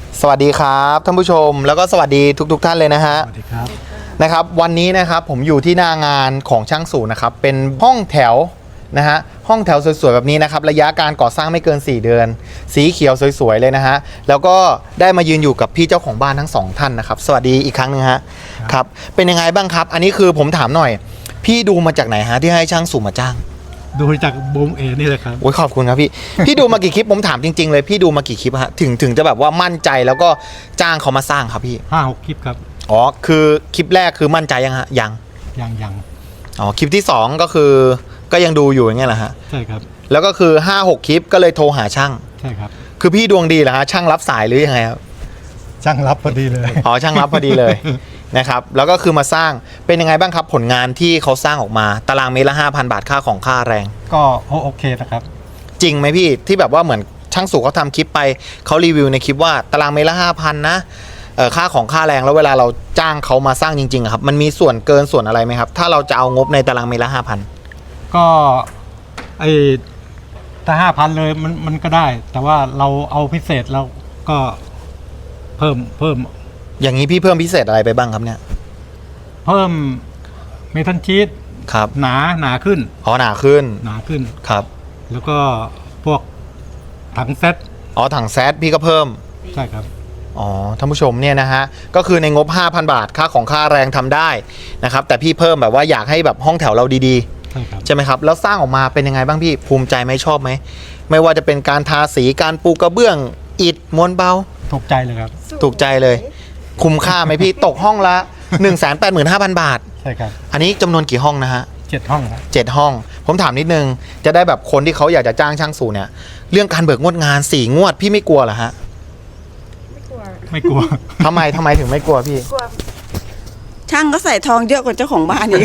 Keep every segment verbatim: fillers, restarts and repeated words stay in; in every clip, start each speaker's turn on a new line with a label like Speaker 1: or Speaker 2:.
Speaker 1: สวัสดีครับท่านผู้ชมแล้วก็สวัสดีทุกๆ ท่านเลยนะฮะ
Speaker 2: สวัสดีครับ
Speaker 1: นะครับวันนี้นะครับผมอยู่ที่หน้างานของช่างสูนะครับเป็นห้องแถวนะฮะห้องแถวสวยๆแบบนี้นะครับระยะการก่อสร้างไม่เกินสี่เดือนสีเขียวสวยๆเลยนะฮะแล้วก็ได้มายืนอยู่กับพี่เจ้าของบ้านทั้งสองท่านนะครับสวัสดีอีกครั้งนึงฮะครับเป็นยังไงบ้างครับอันนี้คือผมถามหน่อยพี่ดูมาจากไหนฮะที่ให้ช่างสูมาจ้าง
Speaker 2: ดูจากบูมเอนี่เลยครับ
Speaker 1: โอ้ยขอบคุณครับพี่ พี่ดูมากี่คลิปผมถามจริงๆเลยพี่ดูมากี่คลิปฮะถึงถึงจะแบบว่ามั่นใจแล้วก็จ้างเขามาสร้างครับพี่
Speaker 2: ห้าหกคลิปครับ
Speaker 1: อ๋อคือคลิปแรกคือมั่นใจยังฮะยัง
Speaker 2: ยังยัง
Speaker 1: อ๋อคลิปที่สองก็คือก็ยังดูอยู่อย่างเงี้ยแหละฮะ
Speaker 2: ใช่ครับ
Speaker 1: แล้วก็คือห้าหกคลิปก็เลยโทรหาช่าง
Speaker 2: ใช่ครับ
Speaker 1: คือพี่ดวงดีเหรอฮะช่างรับสายหรือยังไงครับ
Speaker 2: ช่างรับพอดีเลย
Speaker 1: อ๋อช่างรับพอดีเลย นะครับแล้วก็คือมาสร้างเป็นยังไงบ้างครับผลงานที่เขาสร้างออกมาตารางเมตรละห้าพันบาทค่าของค่าแรง
Speaker 2: ก็โอเคนะครับ
Speaker 1: จริงไหมพี่ที่แบบว่าเหมือนช่างสูเขาทำคลิปไปเขารีวิวในคลิปว่าตารางเมตรละห้าพันนะเอ่อค่าของค่าแรงแล้วเวลาเราจ้างเขามาสร้างจริงๆครับมันมีส่วนเกินส่วนอะไรไหมครับถ้าเราจะเอางบในตารางเมตรละห้าพัน
Speaker 2: ก็ไอถ้าห้าพันเลยมันมันก็ได้แต่ว่าเราเอาพิเศษเราก็เพิ่มเพิ่ม
Speaker 1: อย่างนี้พี่เพิ่มพิเศษอะไรไปบ้างครับเนี่ย
Speaker 2: เพิ่มเมทัลชีต
Speaker 1: ครับ
Speaker 2: หนาหนาขึ้น
Speaker 1: อ๋อหนาขึ้น
Speaker 2: หนาขึ้น
Speaker 1: ครับ
Speaker 2: แล้วก็พวกถังเซต
Speaker 1: อ๋อถังแซดพี่ก็เพิ่ม
Speaker 2: ใช่ครับ
Speaker 1: อ๋อท่านผู้ชมเนี่ยนะฮะก็คือในงบ ห้าพัน บาทค่าของค่าแรงทำได้นะครับแต่พี่เพิ่มแบบว่าอยากให้แบบห้องแถวเราดีๆใช่ครับใช่ไหมครับแล้วสร้างออกมาเป็นยังไงบ้างพี่ภูมิใจไหมชอบไหมไม่ว่าจะเป็นการทาสีการปูกระเบื้องอิฐม้วนเบา
Speaker 2: ถูกใจเลยครับ
Speaker 1: ถูกใจเลยคุ้มค่าไหมพี่ตกห้องละ หนึ่งแสนแปดหมื่นห้าพัน บาท
Speaker 2: ใช่ครับ
Speaker 1: อันนี้จำนวนกี่ห้องนะฮะ
Speaker 2: เจ็ดห้องครับ
Speaker 1: เจ็ดห้องผมถามนิดนึงจะได้แบบคนที่เขาอยากจะจ้างช่างสูเนี่ยเรื่องการเบิกงวดงานสี่งวดพี่ไม่กลัวเหรอฮะ
Speaker 2: ไม่กลัวไม่กลัว
Speaker 1: ทำไมทำไมถึงไม่กลัวพี่
Speaker 3: กลัวช่างก็ใส่ทองเยอะกว่าเจ้าของบ้านอีก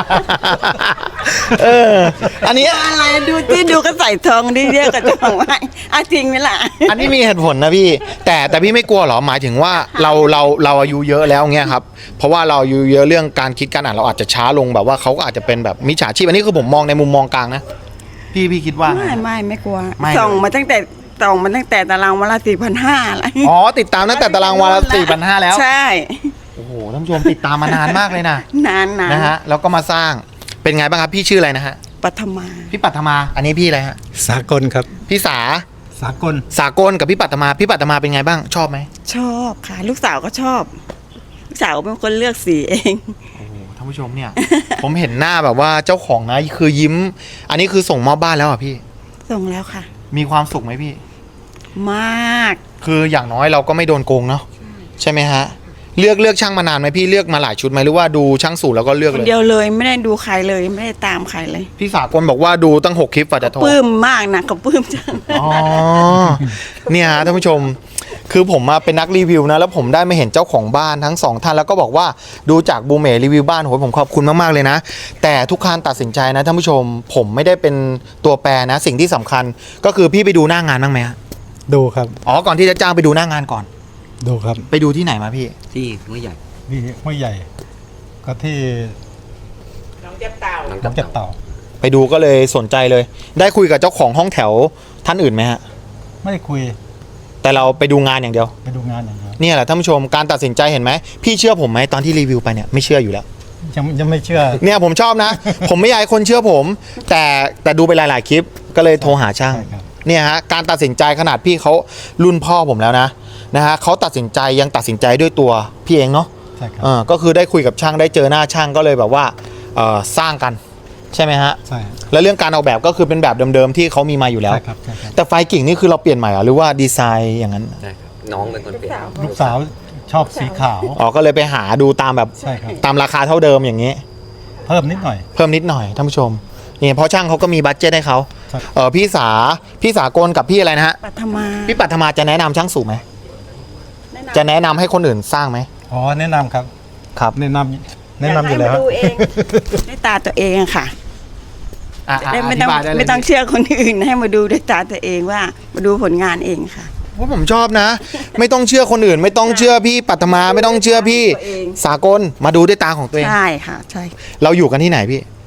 Speaker 1: เอออันนี้
Speaker 3: อะไรดูที่ดูก็ใส่ทองได้เยอะกว่าเจ้าของบ้านอาจริงไหมล่ะ
Speaker 1: อันนี้มีเหตุผลนะพี่แต่แต่พี่ไม่กลัวหรอหมายถึงว่าเราเราเราอายุเยอะแล้วเงี้ยครับเพราะว่าเราอายุเยอะเรื่องการคิดการอ่านเราอาจจะช้าลงแบบว่าเขาก็อาจจะเป็นแบบมิจฉาชีพอันนี้คือผมมองในมุมมองกลางนะพี่พี่คิดว่า
Speaker 3: ไม่ไม่ไม่กลัวส่องมาตั้งแต่ส่องมาตั้งแต่ตารางวันละสี่พันห้าอะไร
Speaker 1: อ๋อติดตามตั้งแต่ตารางวันละสี่พันห้าแล้ว
Speaker 3: ใช่
Speaker 1: โอ้โหท่านผู้ชมติดตามมานานมากเลยนะ
Speaker 3: นานนาน
Speaker 1: นะฮะแล้วก็มาสร้างเป็นไงบ้างครับพี่ชื่ออะไรนะฮะ
Speaker 3: ปัทมา
Speaker 1: พี่ปัทมาอันนี้พี่อะไรฮะ
Speaker 2: สากลครับ
Speaker 1: พี่สา
Speaker 2: สากล
Speaker 1: สากลกับพี่ปัทมาพี่ปัทมาเป็นไงบ้างชอบไหม
Speaker 3: ชอบค่ะลูกสาวก็ชอบลูกสาวเป็นคนเลือกสีเอง
Speaker 1: โอ้โหท่านผู้ชมเนี่ย ผมเห็นหน้าแบบว่าเจ้าของนะคือยิ้มอันนี้คือส่งมอบบ้านแล้วอ่ะพี่
Speaker 3: ส่งแล้วค่ะ
Speaker 1: มีความสุขไหมพี่
Speaker 3: มาก
Speaker 1: คืออย่างน้อยเราก็ไม่โดนโกงเนาะใช่ไหมฮะเลือกเลือกช่างมานานไหมพี่เลือกมาหลายชุดไหมหรือว่าดูช่างสูตรแล้วก็เลือกเลย
Speaker 3: คนเดียวเลยไม่ได้ดูใครเลยไม่ได้ตามใครเลย
Speaker 1: พี่สากลบอกว่าดูตั้งหกคลิปกว่าจะโทร
Speaker 3: ปลื้มมากนะก็ปลื้มจัง
Speaker 1: อ๋อเนี่ยฮะท่านผู้ชมคือผมมาเป็นนักรีวิวนะแล้วผมได้มาเห็นเจ้าของบ้านทั้งสองท่านแล้วก็บอกว่าดูจากบูเม่รีวิวบ้านโหผมขอบคุณมากๆเลยนะแต่ทุกการตัดสินใจนะท่านผู้ชมผมไม่ได้เป็นตัวแปรนะสิ่งที่สำคัญก็คือพี่ไปดูหน้างานบ้างไหมฮะ
Speaker 2: ดูครับ
Speaker 1: อ๋อก่อนที่จะจ้างไปดูหน้างานก่อน
Speaker 2: ดูครับ
Speaker 1: ไปดูที่ไหนมาพี่
Speaker 4: ที่ห้วยใหญ่
Speaker 2: นี่ห้วยใหญ่ก็ที่
Speaker 3: น้องเจ็บเต่า
Speaker 2: น้องเจ็บเต่า
Speaker 1: ไปดูก็เลยสนใจเลยได้คุยกับเจ้าของห้องแถวท่านอื่นไหมฮะ
Speaker 2: ไม่ได้คุย
Speaker 1: แต่เราไปดูงานอย่างเดียว
Speaker 2: ไปดูงานอย่างเดียว
Speaker 1: เนี่ยแหละท่านผู้ชมการตัดสินใจเห็นไหมพี่เชื่อผมไหมตอนที่รีวิวไปเนี่ยไม่เชื่ออยู่แล้ว
Speaker 2: ยังยังไม่เชื่อ
Speaker 1: เนี่ยผมชอบนะ ผมไม่อยากให้คนเชื่อผมแต่แต่ดูไปหลายๆคลิปก็เลยโทรหาช่างเนี่ยฮะการตัดสินใจขนาดพี่เขารุ่นพ่อผมแล้วนะนะฮะเขาตัดสินใจยังตัดสินใจด้วยตัวพี่เองเนาะ
Speaker 2: ใช่ครับ
Speaker 1: เออก็คือได้คุยกับช่างได้เจอหน้าช่างก็เลยแบบว่าเออสร้างกันใช่ไหมฮะ
Speaker 2: ใช่
Speaker 1: แล้วเรื่องการออกแบบก็คือเป็นแบบเดิมๆที่เขามีมาอยู่แล้ว
Speaker 2: ใช่ครับใช่ครับ
Speaker 1: แต่ไฟกิ่งนี่คือเราเปลี่ยนใหม่หรือว่าดีไซน์อย่างนั้น
Speaker 4: ใช่ครับน้องเป็นคนเปลี่ยน
Speaker 2: ลูกสาวชอบสีขาว
Speaker 1: อ๋อก็เลยไปหาดูตามแบบ
Speaker 2: ใช่ครับ
Speaker 1: ตามราคาเท่าเดิมอย่างนี้
Speaker 2: เพิ่มนิดหน่อย
Speaker 1: เพิ่มนิดหน่อยท่านผู้ชมนี่เพราะช่างเขาก็มีบัดเจ็ตให้เขาเออพี่สาพี่สากลกับพี่อะไรนะฮะ
Speaker 3: ปัทมา
Speaker 1: พี่ปัทมาจะแนะนำช่างสูงไหมจะแนะนำให้คนอื่นสร้างไหม
Speaker 2: อ๋อแนะนำครับ
Speaker 1: ครับ
Speaker 2: แนะนำแนะนำอยู่แล้ว
Speaker 3: ดูเองด้วยตาตัวเองค่ะไม่ต้องไม่ต้องเชื่อคนอื่นให้มาดูด้วยตาตัวเองว่ามาดูผลงานเองค่ะ
Speaker 1: ว่าผมชอบนะไม่ต้องเชื่อคนอื่นไม่ต้องเชื่อพี่ปัทมาไม่ต้องเชื่อพี่สากลมาดูด้วยตาของตัวเอง
Speaker 3: ใช่ค่ะใช่
Speaker 1: เราอยู่กันที่ไหนพี่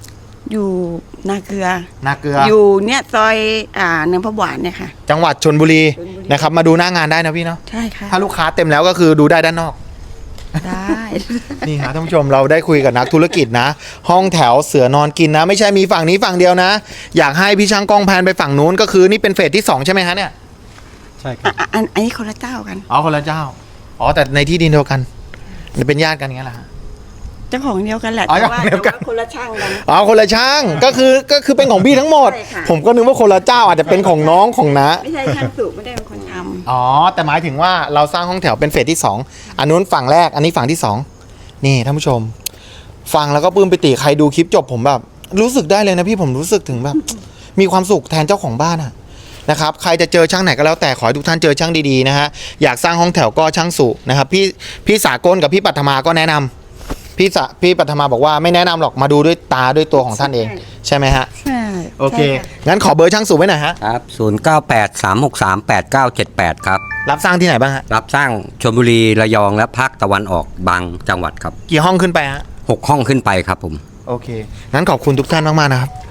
Speaker 3: อยู่นาเกลือ
Speaker 1: นาเกลือ
Speaker 3: อยู่เนี่ยซอยอ่าเนินพระหวานเนี่ยค่ะ
Speaker 1: จังหวัดชลบุรี
Speaker 3: ชลบุรี
Speaker 1: นะครับ มาดูหน้างานได้นะพี่เนาะ
Speaker 3: ใช่ค่ะ
Speaker 1: ถ้าลูกค้าเต็มแล้วก็คือดูได้ด้านนอก
Speaker 3: ได้
Speaker 1: นี่ฮะท่านผู้ชมเราได้คุยกับนักธุรกิจนะ ห้องแถวเสือนอนกินนะ ไม่ใช่มีฝั่งนี้ฝั่งเดียวนะ อยากให้พี่ช่างกล้องแพนไปฝั่งนู้นก็คือนี่เป็นเฟสที่สองใช่ไหมฮะเนี่ย
Speaker 2: ใช่ครับ
Speaker 3: อ่ะอันอันนี้คนละเจ้ากัน
Speaker 1: อ๋อคนละเจ้าอ๋อแต่ในที่ดินเดียวกันเป็นญาติกันอย่างเงี้ยแหละฮะ
Speaker 3: เจ้าของเดียวกันแหละ
Speaker 1: อ๋อ
Speaker 3: แต่ว่า
Speaker 1: เจ้าของเดียวกัน
Speaker 3: แต่ว่าคนละช่างกัน
Speaker 1: อ๋อคนละช่างก็คือก็คือเป็นของพี่ทั้งหมด
Speaker 3: ใช่ค่ะ
Speaker 1: ผมก็นึกว่าคนละเจ้าอาจจะเป็นของน้องของน้า
Speaker 3: ไม่ใช่ช่างสูบไม่ได้เป็นคนทำ
Speaker 1: อ๋อแต่หมายถึงว่าเราสร้างห้องแถวเป็นเฟสที่สองอันนู้นฝั่งแรกอันนี้ฝั่งที่สองนี่ท่านผู้ชม ฟังแล้วก็ปลื้มปิติใครดูคลิปจบผมแบบ รู้สึกได้เลยนะพี่ผมรู้สึกถึงแบบ มีความสุขแทนเจ้าของบ้านอะนะครับใครจะเจอช่างไหนก็แล้วแต่ขอให้ทุกท่านเจอช่างดีๆนะฮะอยากสร้างห้องแถวก็ช่างสุนะครับพี่พี่สากลกับพี่ปัทมาก็แนะนำพี่สะพี่ปัทมาบอกว่าไม่แนะนำหรอกมาดูด้วยตาด้วยตัวของท่านเองใช่ไหมฮะ
Speaker 3: ใช่
Speaker 1: โอเค
Speaker 3: ใช่ะ
Speaker 1: งั้นขอเบอร์ช่างสุไว้หน่อยฮะ
Speaker 4: ครับ ศูนย์ เก้า แปด สาม หก สาม แปด เก้า เจ็ด แปด ครับ
Speaker 1: รับสร้างที่ไหนบ้างฮะ
Speaker 4: รับสร้างชลบุรีระยองและภาคตะวันออกบางจังหวัดครับ
Speaker 1: กี่ห้องขึ้นไปฮะ
Speaker 4: หกห้องขึ้นไปครับผม
Speaker 1: โอเค งั้นขอบคุณทุกท่านมาก ๆ นะครับ